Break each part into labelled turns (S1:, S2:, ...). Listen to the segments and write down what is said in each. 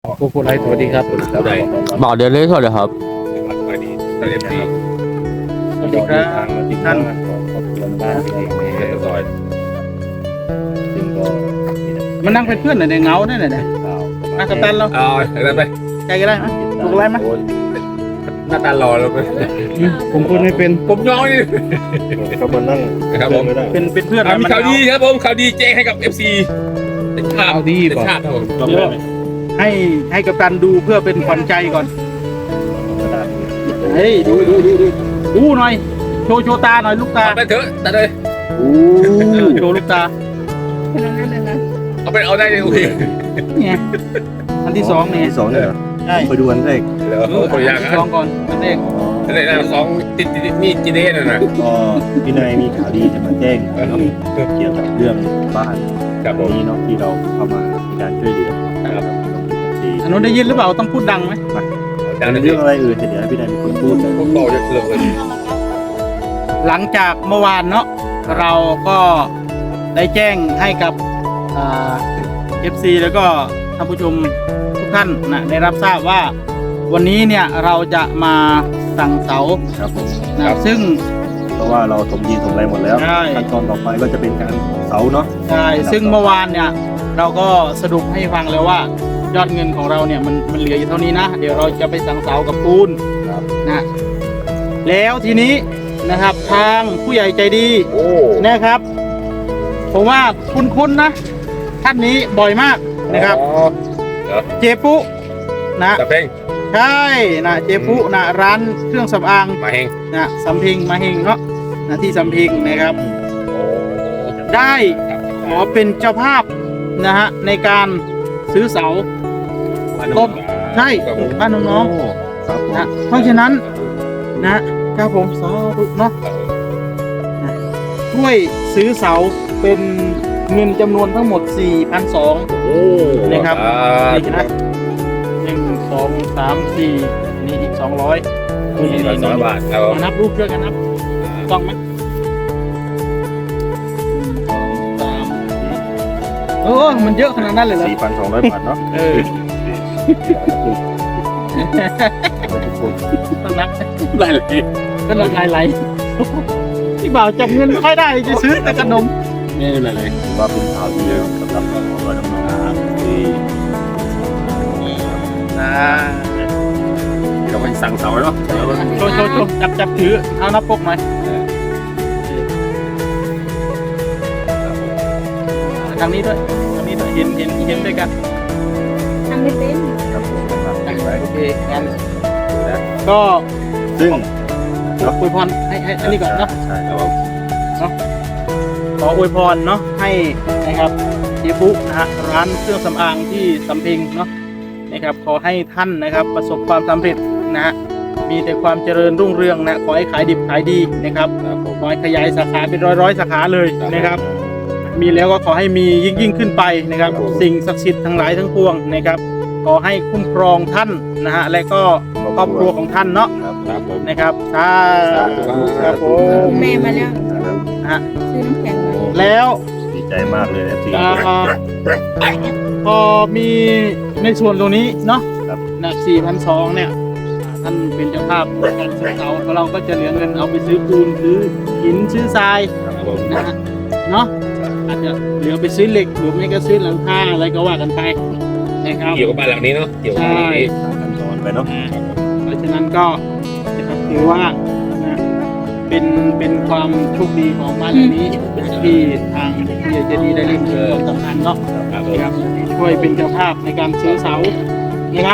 S1: โกโกไลท์สวัสดีครับ
S2: บอกเดลี่สวัสดีครับ
S3: สวัสดีสวัสดีพี่
S1: สวัสดีครับท่าน
S3: ครอบครัวบ้านเองเรียบร้อยซึ่งก็
S1: มันนั่งเป็นเพื่อนหน่อยในเงาเนี่ยหน่อยนั่งกับตันเรา
S3: เอาอะไรไป
S1: ใจก็ได้ไหมโกโกไลท์ไหม
S3: หน้าตาหล่อแล้วไป
S1: ผมพูดไม่เป็น
S3: ผมยองนี่
S4: เขามานั่ง
S3: นะครับผม
S4: ไม่ได้
S1: เป็นเพื่อน
S3: มีข่าวดีครับผมข่าวดีแจ้งให้กับ FC เป็นชาติ
S1: เอาดี
S3: เป็น
S1: ก่อน
S3: ชาติครับผม
S4: จำได้ไหม
S1: ให้กับตันดูเพื่อเป็นขวัญใจก่อนเฮ้ยดูหน่อยโชว์ตาหน่อยลูกตา
S3: เอาไปเถอะตัดเลย
S1: โชว์ลูกตา
S3: เอาไปเอาได้เลยโอเค
S1: เนี่ยอันที่สองเนี่ย
S4: ที่สองเนี่ยเหรอ
S1: ใช่
S4: ไปดูอันแรก
S3: เดี๋ยวขออนุญาต
S1: อัน
S3: นะ
S1: ที่สองก่อนอันแรก
S3: อันนี้นะของติดมีจีเน่น่ะนะ
S4: ก็พี่นายมีข่าวดีจะมาแจ้งเนาะเกี่ยวกับเรื่องบ้าน
S3: ครับผม
S4: นี้เนาะที่เราเข้ามาในการช่วยเหลือ
S3: ครับ
S1: อันนู้นได้ยินหรือเปล่าต้องพูดดังไหม
S3: ดัง
S4: ใน
S3: นั้น
S4: เรื่องอะไรเดี๋ยวให้พี่นายเป็นคนพูดเลย
S3: ผมต่อเยอะเลย
S1: หลังจากเมื่อวานเนาะเราก็ได้แจ้งให้กับFC แล้วก็ท่านผู้ชมทุกท่านนะได้รับทราบว่าวันนี้เนี่ยเราจะมาสั่งเสา
S4: ครับผม
S1: นะซึ่ง
S4: เพราะว่าเราถมดินถมอะไรหมดแล้ว
S1: ใช่
S4: ขั้นตอนต่อไปก็จะเป็นการเสาเนาะ
S1: ใช่ซึ่งเมื่อวานเนี่ยเราก็สรุปให้ฟังแล้วว่ายอดเงินของเราเนี่ยมันเหลืออยู่เท่านี้นะเดี๋ยวเราจะไปสั่งเสากับปูนนะแล้วทีนี้นะครับทางผู้ใหญ่ใจดี
S3: โอ้
S1: นะครับผมว่าคุ้นๆนะท่านนี้บ่อยมากนะครับ เจปุนะ
S3: ตะเพ่ง
S1: ใช่นะเจปุนะร้านเครื่องสำอาง
S3: มาเฮง
S1: นะสำเพ็งมาเฮงเนาะนะที่สำเพ็งนะครับ
S3: โอ้
S1: ได้ขอเป็นเจ้าภาพนะฮะในการซื้อเสา ต้น ใช่บ้านน้อง
S4: ครับผม
S1: ๆนะเพราะฉะนั้นนะครับผมสาธุเนาะช่วยซื้อเสาเป็นเงินจำนวนทั้งหมด 4,200
S3: โอ้
S1: นะครับ
S3: นี่
S1: นี่นะ1 2 3 4นี่อีก200
S3: นี่200 บาทครับผม
S1: มานับรูปช่วยกันนับต้องไหมเออมันเยอะขนาดนั้นเลยเหรอ
S4: 4,200 บาทเนาะ
S1: เออต้องนับ
S3: ได้เลย
S1: ก็ละลายไหลที่บ่าวจับเงินไม่ค่อยได้จะซื้อแต่ขนม
S3: นี่เลยเลย
S4: ถือว่าเป็นข่าวดีสำหรับครอบครัวน้องๆที่
S3: เราไปสั่งเสาเนาะ
S1: โชว์จับถือเอานับปกหน่อยทางนี้ด้วยเห็นด้วยกัน
S5: ทำไม่เป็น
S4: ครับผมครับไว้
S1: โอเคงั้นก็
S4: ซึ่ง
S1: อวยพรให้อันนี้ก่อนเนาะ
S4: ใช่ครับผม
S1: ขออวยพรเนาะให้นะครับเจปุนะฮะร้านเครื่องสำอางที่สำเพ็งเนาะนะครับขอให้ท่านนะครับประสบความสำเร็จนะฮะมีแต่ความเจริญรุ่งเรืองนะขอให้ขายดิบขายดีนะครับขอให้ขยายสาขาเป็นร้อยสาขาเลยนะครับ มีแล้วก็ขอให้มียิ่งขึ้นไปนะครับ สิ่งศักดิ์สิทธิ์ทั้งหลายทั้งปวงนะครับ ขอให้คุ้มครองท่านนะฮะและก็ครอบครัวของท่านเนาะ
S3: ครับผม
S1: นะครับสาธุครับผม
S5: แม่มาแล้ว
S1: นะฮะ
S5: ซื้อน้ำแข็งมา
S1: แล้ว
S4: ดีใจมากเลยนะที่
S1: พอมีในส่วนตรงนี้เนาะ
S4: ครับ
S1: นะ4,200เนี่ยท่านเป็นเจ้าภาพในการซื้อเสาเราก็จะเหลือเงินเอาไปซื้อปูนซื้อหินซื้อทราย
S4: ครับผม
S1: นะฮะเนาะอาจจะเหลือไปซื้อเหล็กหรือไม่ก็ซื้อหลังคาอะไรก็ว่ากันไปนะครับ
S3: เกี่ยวกับบ้านหลังนี้เนาะเกี่ยวกับบ้านหลังนี้
S4: ตามขั้นตอนไปเนาะ
S1: เพราะฉะนั้นก็นะครับถือว่านะเป็นความโชคดีของบ้านหลังนี้ที่ทางผู้ใหญ่ใจดีได้เล่นเรือตำนานเนาะ
S3: ครับผม
S1: นะครับช่วยเป็นเจ้าภาพในการซื้อเสานะครับ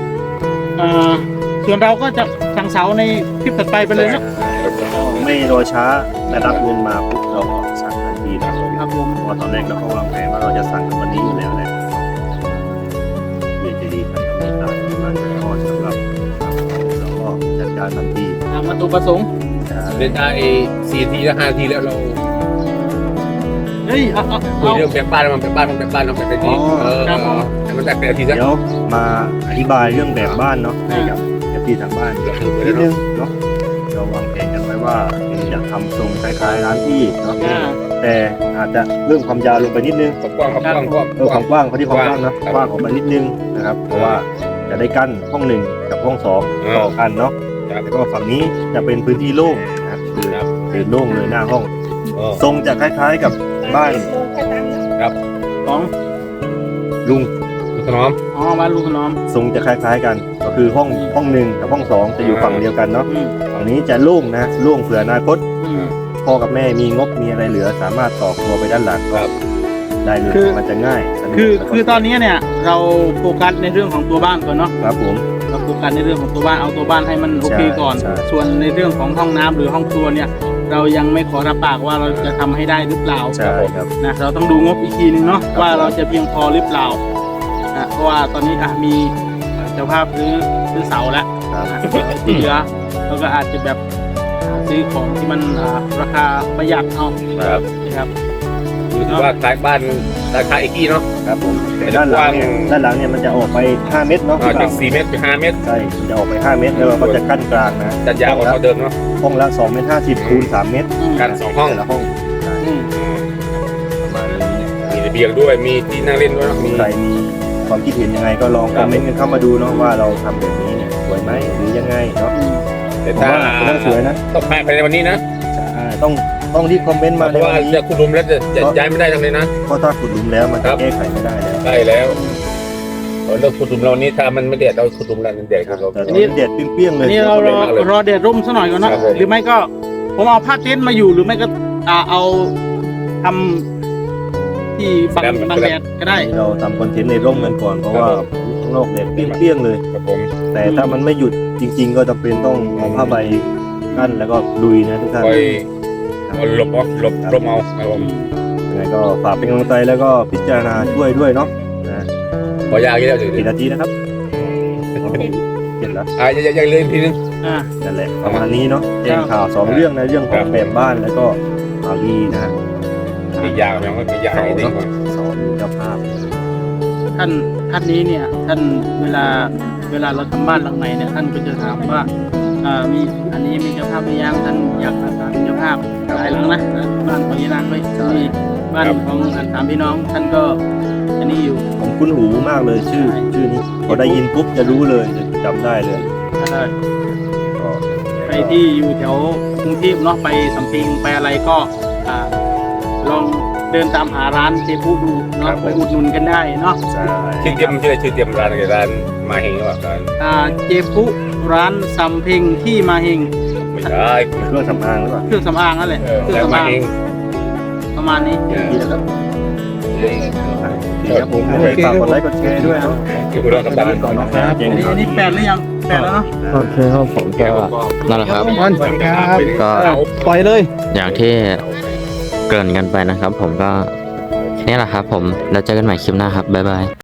S1: ส่วนเราก็จะสั่งเสาในคลิปถัดไปเลยเนาะ
S4: ไม่รอช้าได้รับเงินมาปุ๊บเราก็สั่งทันทีนะครับ
S1: ผม
S4: เพราะว่าตอนแรกเราก็วางแผนว่าเราจะสั่งกันวันนี้อยู่แล้วแหละเรียนจะดีท่านก็มีตามที่มันจะทอดสำหรับเราก็จัดการทันที
S1: ตามวัตถุประสงค์
S3: เล่นได้4 ทีแล้ว5 ทีแล้วเรา
S1: เฮ้ยเอา
S3: คุยเรื่องแบ่งบ้านมันแบ่งบ้านมันแบ่งบ้านมันแบ่งเป็นทีให้มันแบ่งเป็นทีซะ
S4: เดี๋ยวมาอธิบายเรื่องแบบบ้านเนาะให้กับที่ทางบ้านนิดนึงเนาะเราวางแผนกันไว้ว่าจะทำทรงคล้ายๆร้านที่เนาะ
S1: อ่า
S4: แต่แต่อาจจะเรื่องความยาวลงไปนิดนึง
S3: กว้างครับกว้าง
S4: ความกว้างเขาที่ความกว้างเนอะ
S3: ครับ
S4: กว้างออกมานิดนึงนะครับเพราะว่าจะได้กั้นห้องหนึ่งกับห้องสองต่อกันเนาะ
S3: ครับ
S4: แล้วก็ฝั่งนี้จะเป็นพื้นที่โล่งนะครับคือ
S3: ครับ
S4: เป็นโล่งเลยหน้าห้อง
S3: อ๋อ
S4: ทรงจะคล้ายๆกับบ้าน
S1: ของ
S4: ลุง
S3: คุณถนอม
S1: อ๋อบ้านลุงขนอม
S4: ทรงจะคล้ายๆกัน ก็คือห้องหนึ่งกับห้องสองจะอยู่ฝั่งเดียวกันเนาะ
S1: อืม
S4: ฝั่งนี้จะโล่งนะโล่งเผื่ออนาคต
S1: อืม
S4: พ่อกับแม่มีงบมีอะไรเหลือ สามารถต่อครัวไปด้านหลังก็ได้เลย
S1: คือ
S4: มันจะง่ายสะดวก
S1: คือ
S4: แล้วก็
S1: คือตอนนี้เนี่ยเราโฟกัสในเรื่องของตัวบ้านก่อนเนาะ
S4: ครับผม
S1: เราโฟกัสในเรื่องของตัวบ้านเอาตัวบ้านให้มันโอเคก่อน
S4: ใช่
S1: ส่วนในเรื่องของห้องน้ำหรือห้องครัวเนี่ย เรายังไม่ขอรับปากว่าเราจะทำให้ได้หรือเปล่า
S4: ใช่ครับ
S1: นะเราต้องดูงบอีกทีนึงเนาะ
S4: ครับ
S1: ว่าเราจะเพียงพอหรือเปล่านะเพราะว่าตอนนี้มีเจ้าภาพซื้อเสาแล้ว
S4: ครับ
S1: นะที่เหลือเราก็อาจจะแบบซื้อของที่มันราคาประหยัดเอา
S3: ครับ
S1: นะครับ
S3: คือว่าขายบ้านราคาอีกที่เนาะ
S4: ครับผมแต่ด้านหลังเนี่ยมันจะออกไป5 เมตรเนาะ
S3: จาก4 เมตรเป็น5 เมตร
S4: ใช่มันจะออกไป5 เมตรแล้วเราก็จะกั้นกลางนะ
S3: จัดยาวกว่าเดิมเนาะ
S4: ห้องละ2 เมตร 50คูณ3 เมตร
S3: กัน2 ห้อง
S4: แต่ละห้อง
S1: อืม
S4: ประมาณนี้
S3: มีระเบียงด้วยมีที่นั่งเล่นด้วยเนาะมี
S4: ใครมีความคิดเห็นยังไงก็ลองคอมเมนต์กันเข้ามาดูเนาะว่าเราทำแบบนี้เนี่ยสวยไหมหรือยังไงเนาะ
S3: แต่
S4: ผม
S3: ถ้า
S4: ว่าเป็นเรื่องสวยนะ
S3: ต้องภายในวันนี้นะ
S4: ใช่ต้องรีบคอมเมนต์มา
S3: เพ
S4: ใน
S3: ราะ
S4: วั
S3: ว่าน
S4: นี้
S3: จะคุณลุมแล้วจะย้ายไม่ได้ทั้งเลยนะ
S4: เพราะถ้าขุดหลุมแล้วมันจะแก้ไขไม่ได้แล้ว
S3: ได้แล้วเราเลิกขุดหลุมเรานี้ถ้ามันไม่เด็ดเราขุดหลุมแล้วมันเด็ดครับเรา
S4: แต่ตอนนี้เด็ดเปรี้ยงๆเลย
S1: นี่เรารอแดดร่มซะหน่อยก่อนเนาะ
S3: ครับผม
S1: หรือไม่ก็ผมเอาผ้าเต็นท์มาอยู่หรือไม่ก็เอาทำที่บังแดดก็ได้
S4: เราทำคอนเทนต์ในร่มกันก่อนเพราะว่าข้างนอกเด็ดเปรี้ยงๆเลย
S3: ครับผม
S4: แต่ถ้ามันไม่หยุดจริง ๆ ก็จำเป็นต้องเอาผ้าใบกั้นแล้วก็ลุยนะทุกท่าน
S3: คอยเอาหลบเอาหลบเอาครับผม
S4: ยังไงก็ฝากเป็นกำลังใจแล้วก็พิจารณาช่วยด้วยเนาะนะ
S3: ขอยากเยอะถึง
S4: กี่นาทีนะครับเจ็ดแล้ว
S3: ยังเล่นทีนึง
S1: อ่า
S4: นั่นแหละประมาณนี้เนาะแจ้งข่าว2 เรื่องนะเรื่องของแบบบ้านแล้วก็ข่าวดีนะ
S3: มียาวยังไม่มียาวดีกว่า
S4: สองเจ้าภาพ
S1: ท่านนี้เนี่ยท่านเวลาเราทำบ้านหลังไหนเนี่ยท่านก็จะถามว่ามีอันนี้มีเจ้าภาพหรือยังท่านอยากอาสาเป็นเจ้าภาพหลายหลังนะบ้านของยีนางด้วยมีบ้านของสามพี่น้องท่านก็อันนี้อยู่
S4: ผมคุ้นหูมากเลยชื่อนี้พอได้ยินปุ๊บจะรู้เลยจะจำได้เลยก็
S1: ใครที่อยู่แถวกรุงเทพเนาะไปสำเพ็งไปอะไรก็ลองเดินตามหาร้านเจฟูดูเนาะไปอุดหนุนกันได้เนาะ
S4: ใช่
S3: ชื่อเตรียมร้านอะไรร้านมาเฮงหรือเปล่าร้าน
S1: เจฟูร้านสำเพ็งที่มาเฮง
S3: ไม่ใช่
S4: เครื่องสำอางหรือเปล่า
S1: เครื่องสำอางนั่นแหละเครื่อง
S3: แล้ว
S1: สำ
S3: มา
S1: อาง
S3: เฮง
S1: ประมาณนี้
S4: ดีแล้วครับครับผมฝากกดไลค์กดแชร์ด้วยเนาะ
S3: ที่คุณรอกับร้านก่อน
S4: นะครับ
S1: อันนี้8หรือยัง8แล้วเนาะ
S2: โอเคครับผมก็นั่นแหละครับ ก็
S1: ปล่อยเลย
S2: อย่างที่เกริ่นกันไปนะครับ ผมก็นี่แหละครับผมแล้วเจอกันใหม่คลิปหน้าครับบ๊ายบาย